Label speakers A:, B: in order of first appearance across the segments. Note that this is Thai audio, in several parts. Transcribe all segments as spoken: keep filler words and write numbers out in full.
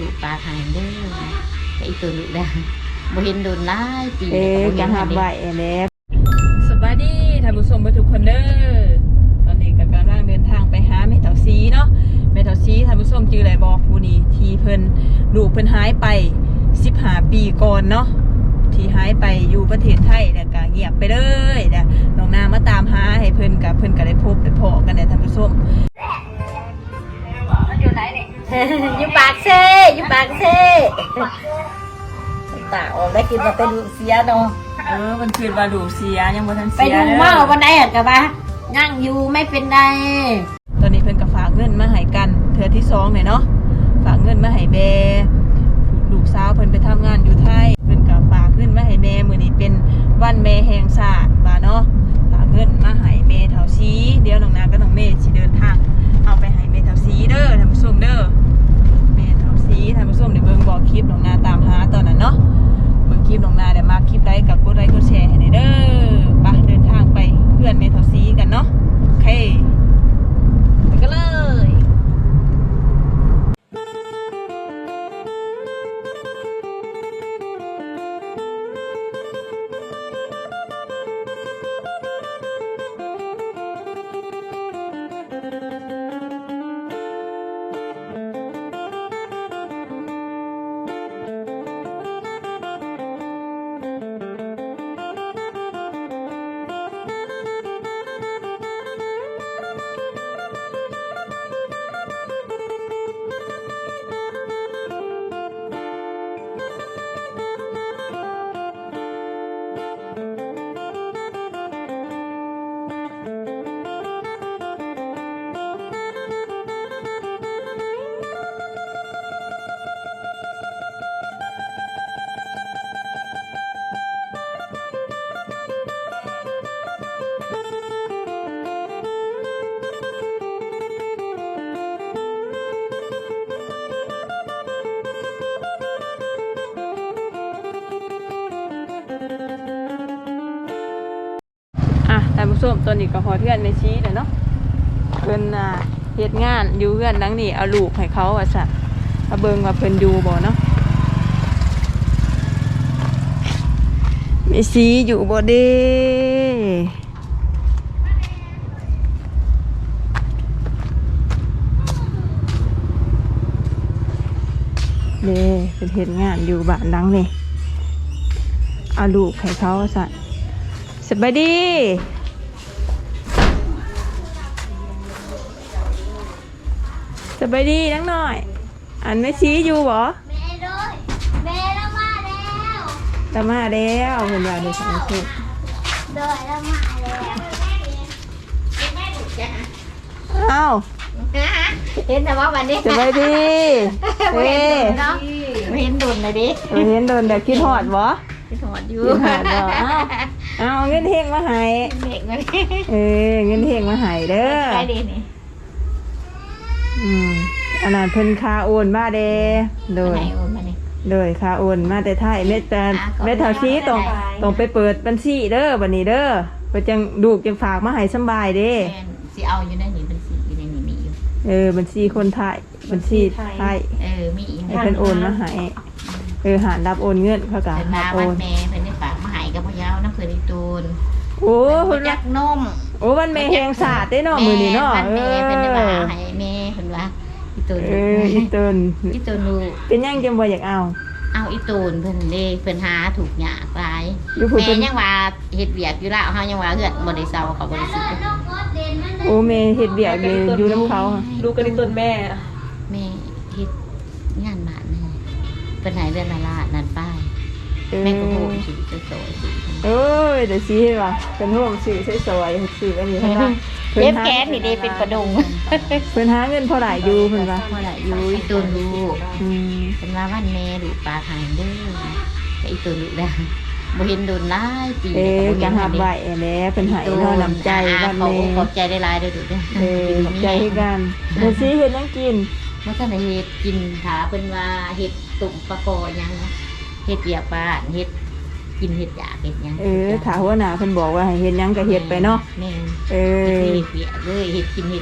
A: กปลาหายเด้อไอ้ตัวลูกแล้วบ่เห็นโดนหลายปี
B: เอ๊ะจะหาใบแล้ว
C: สวัสดีท่านผู้ชมทุกคนเด้อตอนนี้ก็กำลังเดินทางไปหาแม่เฒ่าซีเนาะแม่เฒ่าซีท่านผู้ชมชื่ออะไรบอกผู้นี้ที่เพิ่นลูกเพิ่นหายไปสิบห้าปีก่อนเนาะที่หายไปอยู่ประเทศไทยแล้วก็เงียบไปเลยเด้อน้องนามาตามหาให้เพิ่นกับเพิ่นก็ได้พบได้พอกันได้ท่านผู้ชมอยู่ไหนเนี่ย
A: อยู่ปากเซ่อยู่ปากเซ่ตาออกได้กินมาเป็นลูกเสียเนาะ
C: เออมันคือว่าลูกเสียยังบ่ทัน
A: ไป
C: เสีย
A: ดูเมาวันไหนอ่ะกะบ้านั่งอยู่ไม่เป็นไร
C: ตอนนี้เพิ่นก็ฝากเงินมาให้กันเทื่อที่สองเนี่ยเนาะฝากเงินมาให้แม่ลูกสาวเพิ่นไปทำงานอยู่ไทยเพิ่นก็ฝากเงินมาให้แม่มื้อนี้เป็นวันแม่แห่งชาติว่าเนาะฝากเงินมาให้แม่เฒ่าซีเดี๋ยวน้องนากับน้องเมย์สิเดินทางเอาไปให้แม่เฒ่าซีเด้อท่านผู้ชมเด้อแม่เฒ่าซีท่านผู้ชมได้เบิ่งบ่คลิปน้องนาตามหาตอนนั้นเนาะเบิ่งคลิปน้องนาได้มาคลิปไลค์กับกดไลค์กดแชร์ให้เด้อไปเดินทางไปเพื่อนแม่เฒ่าซีกันเนาะโอเคไปกันเลยท่านผู้ชมตอนนี้ก็ฮอดเพื่อนแม่ชี้แล้วเนาะเพิ่นอ่าเฮ็ดงานอยู่เพื่อนหลังนี้เอาลูกให้เขาว่าซั่นมาเบิ่งว่าเพิ่นอยู่บ่เนาะแม่ชี้อยู่บ่เด้เด้เพิ่นเฮ็ดงานอยู่บ้านหลังนี้เอาลูกให้เขาว่าซั่นสบายดีสบายดีนังหน่อยอันแม่ชี้อยู่บ่แม่ด้วยแม่ละมาแล้วละมาแล้วเพิ่นว่าได้สองคนเด้อละมาแล้วเอ้า
A: เห็นแต่ว่าวันนี้
C: สบายดีเฮ้
A: เนาะไม่เห็นโดนเลยดิ
C: เห็นโดนแต่คิดฮอดบ่
A: คิดฮอดอยู่
C: คิดฮอดบ่เอ้าเอาเงินเฮงมาให้เด็กมาเออเงินเฮงมาให้เด้อใช่ดินี่อืมอันนั้นเพิ่นคาโอนมาเด้โดยโดยคาโอนมาแต่ไทยเม็ดแต่เม็ดเท่าชี้ต้องต้องไปเปิดบัญชีเด้อบัดนี้เด้อเพิ่นจังดูกจังฝากมาให้สำบายเด้
A: สิเอาอยู่ในนี้บัญชีอยู่ในนี้มีอยู่
C: เออบัญชีคนไทยบัญชีไทย
A: เออมี
C: ให้เพิ่นโอนมาให้เออหารับโอนเงินเขาก็
A: รับโอนแม่เพิ่นได้ฝากมาให้กับพ่อยาวน้ำเพิ่นอีตูน
C: โอ้
A: เพิ่นจักนม
C: โอ้วันแม่แห่งศาสตร์ได้เนาะมื้อนี้เนาะ
A: เออเพิ่นได้ฝากให้แม่เพิ่นว่าอีตูน
C: เอออีตูน
A: อีตูนลูก
C: เป็นยังจังบ่อยากเอา
A: เอาอีตูนเพิ่นเด้เพิ่นหาถูกหยากหลายแม่ยังว่าเฮ็ดเวียกอยู่แล้วเฮายังว่าเฮือนบ่ได้เซาเขาบ่ได้สิ
C: โอ้แม่เฮ็ดเวียกอยู่อยู่นำเขาลูกกันอีตูนแม่
A: แม่เฮ็ดงานบ้านนี่เพิ่นให้เดือนละล้านนั่นป้ายแม่ก็โหมสิสวยๆ
C: เอ้ยเดี๋ยวสิเฮ็ดว่าเป็นโฮมสิสวยๆสิอันนี้เพิ่นว่า
A: เพิ่นแขนนี่เด้เป็นประดง
C: เพิ่นหาเงินเท่าไหร่อยู่เพิ่นว่า
A: เท่าไหร่อยู่อีตูนลูก
C: อืม
A: เพิ่นว่าวันแม่ลูกปลาหายเด้อไอ้ตูนลูกแล้วบ่เห็นโดนหลายปี
C: เอ๊ะจะหาใบแล้วเพิ่นให้เท่าน้ำใจวันแม่
A: ขอบใจได้หลายเด้อลูกเด้อ
C: เออขอบใจให้กันเดี๋ยวสิเฮ็ดหยังกิน
A: บ่ทันได้เฮ็ดกินถาเพิ่นว่าเฮ็ดตุ่มปลากอหยังเฮ็ดเวียกบ้านเฮ็ดกินเฮ็ดยาเฮ็ดหยัง
C: เออถ้าหัวหน้าเพิ่นบอกว่าให้เฮ็ดหยังก็เฮ็ดไปเนาะ
A: แม่
C: เออ
A: เฮ็ดเวียกเลยเฮ็ดกินเฮ็ดยา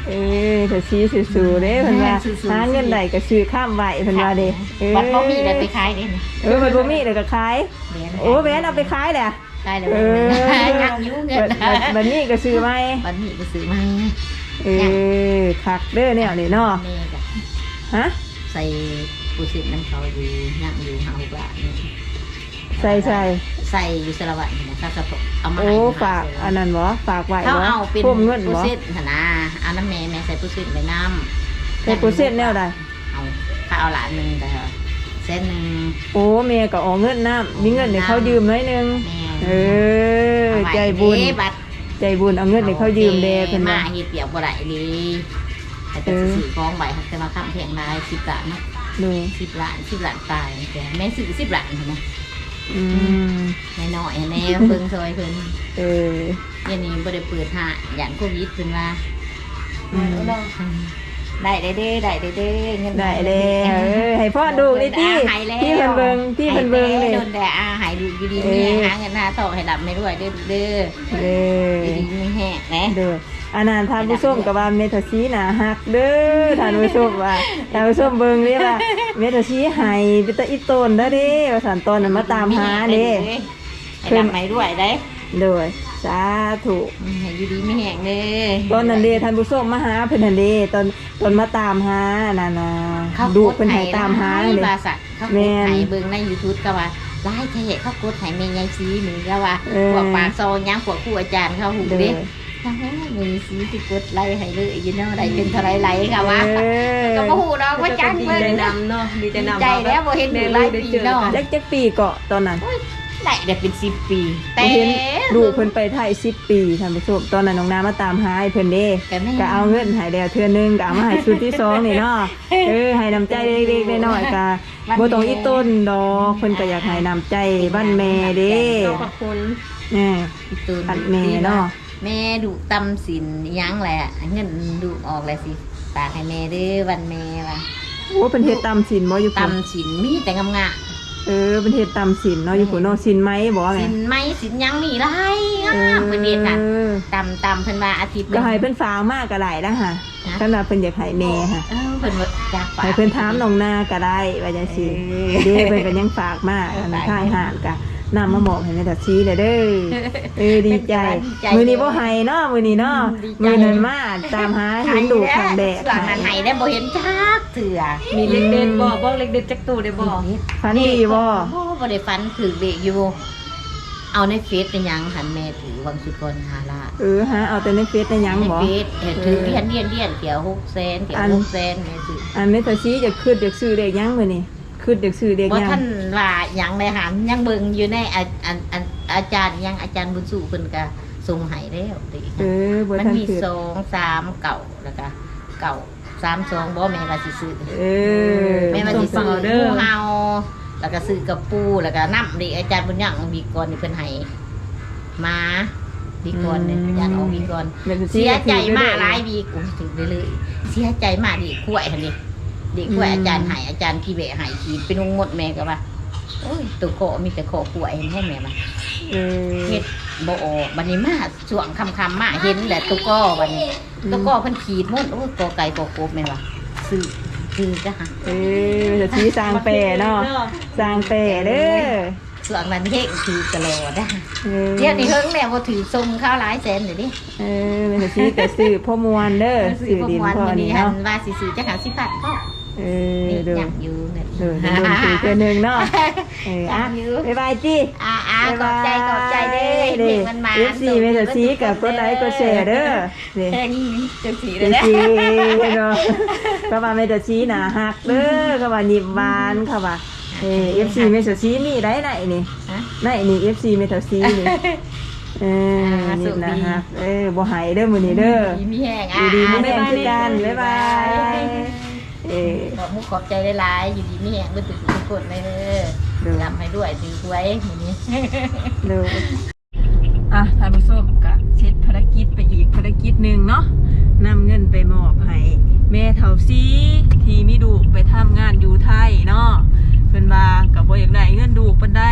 B: เออถ้าชี้สู้ๆเด้เพิ่นว่าหาเงินได้ก็ซื้อข้ามไว้เพิ่นว่าเด้เออ
A: บัดบ่มีได้ไปขายเด้นี่
B: เออมันบ่มีเดี๋ยวก็ขายโอ้แม่นเอาไปขายแหละ
A: ขายแล้ว
B: เออ
A: ยังอยู่เงิน
B: บัดบัดนี้ก็ซื้อไหม
A: บัดนี้ก็ซื้อมา
B: เออคักเด้อแนวนี้เนาะ
A: แม่ก็
B: ฮะ
A: ใส่ปูสิน้ำเขาอยู่ยังอยู่หาหกบาทนี่
B: ใส่ใส่
A: ใส่อยู่สระวัตนี่นะครับกระปุกเอามา
B: โอ้
A: ให้
B: ฝากอันนั้นบ่ฝากไว้
A: เขา
B: บ่
A: เอาเป็น
B: พุ่มเงิน
A: ปู
B: บ่
A: สิหั่นนะเอาน้ำแม่แม่ใส่ปูสิไปน้ำ
B: ใส่เปอร์เซ็นต์แนวใด
A: เอาถ้าเอาหลานหนึงแต่เส้นหนึง
B: โอ้แม่ก็ออกเงินน้ำมีเงินให้เขายืมหน่อยนึง
A: แม่
B: เออ
A: เอาไว้
B: ใจบุญ
A: เด้บัด
B: ใจบุญเอาเงินให้เขายืมเด้เพิ่น
A: มา
B: ว่า
A: เฮ็ดเปียกบ่ได้ดีแต่จะซื้อของใบหักแต่มาค้ำเพียงรายสิบล้านเนาะ
B: ดู
A: สิบล้านสิบล้านตายแต่แม่ซื้อสิบล้านเห็นไหม
B: อืม
A: แม่น้อยแน่เพิ่งซอยเพิ่น
B: เออ
A: เดี๋ยวนี้บ่ได้เปิดหาอย่างโควิดเพิ่นว่า
B: อืม
A: ได้ได้เด้ได้ได้เด้เงิน
B: ได้แล้วเออให้พ่อดูนี่ที่ที่เพิ่นเบิ่งที่เพิ่นเบิ่งเลย
A: โดนแต่อาหายดูอยู่ดี
B: เอ
A: มี
B: อ
A: หาเงินหาทองให้หลับไม่รวยเด้อเด้อ
B: เออ
A: อยู่ดีมีแห้งนะ
B: เด้ออันนั้นท่านผู้ชมก็ว่าเมทัลซีน่ะฮักเด้อท่านผู้ชมว่าท่านผู้ชมเบิ่งเด้ว่าเมทัลซีให้เป็นตาอีต้นเด้อเด้ว่าสันตอนนั้นมาตามหาเด้
A: ให้หลับไม่รวยได้
B: โดยสาธุ
A: ให้อยู่ดีมีแห้งเด้อ
B: ตอนนั้นเด้ท่านผู้ชมมาหาเพิ่นนั่นเด้ตอนตอนมาตามหานั่นน่ะ
A: เขา
B: ดูเพิ่นให้ตามหา
A: เล
B: เด้
A: บาสัตเขากดให้เบิ่งใน YouTube ก็ว่าไล่เทะเขากดให้แม่ยายซีนี่ก็ว่าพวกปากซอยยังพวกครูอาจารย์เขาหู
B: เด้
A: เด้
B: อ
A: ถ้าแม่มีซีสิกดไล่ให้เลยอยู่เนาะได้เป็นเท่าไรไล่ก็ว่า
B: เออ
A: ก็บ่ฮู้ดอกว่าจัง
C: ดี
A: เพิ่น
C: ใจ
A: นะ
C: นำเนาะดีใจนำ
A: ใจแล้วบ่เห็นอยู่หลายปีเนาะ
B: จักจักปีเกาะตอนนั้น
A: ได้ได้เป็นสิบปีแต่
B: เห็นดูเพิ่นไปไทยสิบปีท่านผู้ชมตอนนั้นน้องน้ำมาตามหาให้เพิ่นเด้
A: แต่แม่
B: ก็เอาเงินให้แล้วเทื่อนึงก็เอามาให้ชุดที่สองนี่เนาะเออให้น้ำใจเล็กๆน้อยๆก็บ่ต้องอีต้นดอกเพิ่นก็อยากให้น้ำใจบ้านแม่เด้
C: ขอบคุณ
B: แน่
A: อีตูน
B: อัดแม่เนาะ
A: แม่ดุตำสินยังแหละเงินดุออกแล้วสิฝากให้แม่เด้อวันแม่ว่า
B: โอ้เพิ่นเฮ็ดตำสินบ่อยู่พุ่น
A: ตำสินมีแต่งามๆ
B: เออเพิ่นเฮ็ดตำสินเนาะอยู่พุ่นเนาะสินไหมบ่แม่
A: สินไหมสินยังมีไรงามเพิ่นเฮ็ดค่ะ
B: เออ
A: ตำตำเพิ่นว่าอาทิตย์ห
B: ก็
A: นึ่ง
B: ให้เพิ่นฝากมากก็ได้ละค่ะสำหรับเพิ่นอยากให้แม่ค่ะ
A: เออเพิ่นว่าจากฝาก
B: ให้เพิ่นถามน้องนาก็ได้ว่าจังซี่เด้เพิ่นก็ยังฝากมาอันทางหารก็นำมาบอกให้แม่ตัดชี้เด้อเด้อเออดีใจมื้อนี้บ่ให้เนาะมื้อนี้เนาะมื้อนั้นมาตามหาเห็นดูข้างแดด
A: ส่วนนั้นให้ได้บ่เห็นจักเถื่อ
C: มีเล็กเด็ดบ่บอกเล็กเด็ดจักตูได้บ่
B: ฝันดีบ่
A: บ่บ่ได้ฝันถือเบกอยู่ เอาในเฟซเป็นหยังหันแม่ถือวังสุกรหาละ
B: เออฮะเอาแต่ในเฟซได้หยัง
A: ใน
B: บ่
A: เฟซเห็นถือเรียนเรียนเรียนเกี่ยวหกแสนเกี่ยวหกแสนแม่ซื้อ
B: อันแม่ตัดชี้จะขึ้นเด็กซื้อเด็กหยังมื้อนี้ขึ้นเด็กซื้อเด็ก
A: ว่า
B: หยัง
A: ท่านว่าหยังเลยหันยังเบิ่งอยู่ในอาอาอาอาจารย์ยังอาจารย์บุญสู่เพิ่นก็ส่งให้แล้วติ
B: เออบ่
A: มัน
B: ทัน
A: มี
B: ขึ้น
A: สองสามเก่าแล้วก็เก่าสามสองบ่แม่ว่าสิซื้อ
B: เออ
A: แม่ว่า
C: ส่
A: สิ
C: ง
A: ซื้
C: ต่
A: อ
C: อเด้อ
A: งูเฮาแล้วก็ซื้อกระปูแล้วก็น้ำดิอาจารย์บุญยังมีก่อนนี่เพิ่นให้มาดีก่อนเนี่ยอาจารย์เอามีก่อน
B: แม่ตัดชี้
A: เสียใจมากห
B: ห
A: ลายวีกูถึงเลยเลยเสียใจมากดิกล้วยหั่นดิดิกล้วยอาจารย์ให้อาจารย์พี่เบะให้ขีดเป็นงหมดแม่ก็ว่าโอ้ยตัวโกมีแต่โคกล้วยเห็นให้แม่มา
B: เออ
A: เฮ็ดบ่ออกบัดนี้มาช่วงค่ำๆมาเห็นแหละตัวก้อบัดนี้ตัวก้อเพิ่นขีดหมดโอ้ยกอไก่กอกบแม่นว่าซื้อซื้อจ้ะฮะ
B: เออแม่ตัดชี้สร้างแปรเนาะสร้างแปรเด้อ
A: ช่วงนั้นเฮ็ดถือตลอดนะ
B: เออ
A: เดี๋ยวนี้เฮิงแล้วบ่ถือส่งข้าวหลายแสนเดี๋ยวนี้
B: เออแม่ตัดชี้ก็ซื้อพ่อมวลเด้อ
A: ซื้
B: ซื้
A: อ
B: อ
A: บ่
B: ดิน
A: ม่วน
B: พ่อ
A: มื้อ
B: นี่
A: นี้หั
B: เนาะ
A: นว่าสิซื้อจักหาสิบบาทก็
B: เออ
A: นี่
B: เด้อ
A: ยังอยู่เนี่ย
B: เด้อเดี๋ยวโดนถือเจอหนึ่งเนาะเอออ่ะบ๊ายบายจี
A: อ่าอ่าขอบใจขอบใจเด้อเด็กมันมา
B: เอฟซีเมทัลซีกับกดไลค์กดแชร์เด้อเด้
A: แค่นี้จังสี
B: เอ
A: เลย
B: ฟ
A: นะ
B: ซีเนาะก็ว่าเมทัลซีน่ะฮักเด้อก็ว่านิบหวานค่ะว่าเออฟซีเมทัลซีมีได้ไหนนี่
A: ฮะ
B: ไหนนี่เอฟซีเมทัลซีนี่เออนี่นะฮะเออบ่หายเด้อมื้อนี้เด้อ
A: ดีมีแห้ง
B: อ
A: อ่ะ
B: ยู่ดีมีแรงคือกันบ๊ายบายเออ
A: ขอบมุกขอบใจหลายๆอยู่ดีมีแห้งเบ่ถือทุกคนเลยเด้อ
B: เด้อ
A: ทำให้ด้วยถือไว้มื้อนี้
B: เด้อ
C: อ่ะท่านผู้ชมก็เสร็จภารกิจไปอีกภารกิจหนึ่งเนาะ
B: นำเงินไปมอบให้แม่เฒ่าซีที่มีลูกไปทำงานอยู่ไทยเนาะเพิ่นว่าก็บ่อยากได้เงินลูกปานใดเพิ่น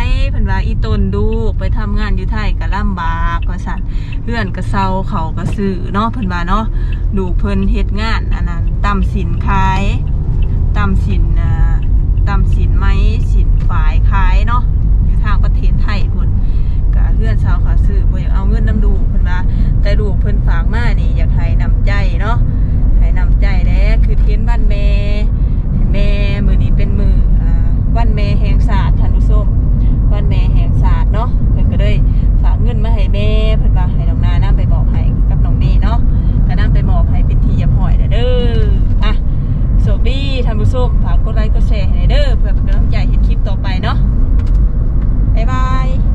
C: ว่าอีตนดูไปทำงานอยู่ไทยก็ลำบากว่าซั่นเพื่อนก็เซาเขาก็ซื้อเนาะเพิ่นว่าเนาะดูเพิ่นเฮ็ดงานอันนั้นตำสินขายตำสินอ่าตำสินไม้สินฝายขายเนาะอยู่ทางประเทศไทยพุ่นก็เพื่อนสาวเขาซื้อบ่อยากเอาเงินนำดูเพิ่นว่าแต่ดูเพิ่นฝากมานี่อยากให้นำใจเนาะให้นำใจแล้คือเทียนบ้านแม่แม่มื้อนี้เป็นมื้ออ่าวันแม่แห่งชาติท่านผู้ชมวันแม่แห่งชาติเนาะเพิ่นก็เลยฝากเงินมาให้แม่เพิ่นว่าให้น้องนานำไปมอบให้กับน้องเมย์เนาะก็นำไปมอบให้เป็นที่เรียบร้อยแล้วเด้ออ่ะโชคดีท่านผู้ชมฝากกดไลค์กดแชร์ให้เด้อเพื่อเป็นกำลังใจเฮ็ดคลิปต่อไปเนาะบ๊ายบาย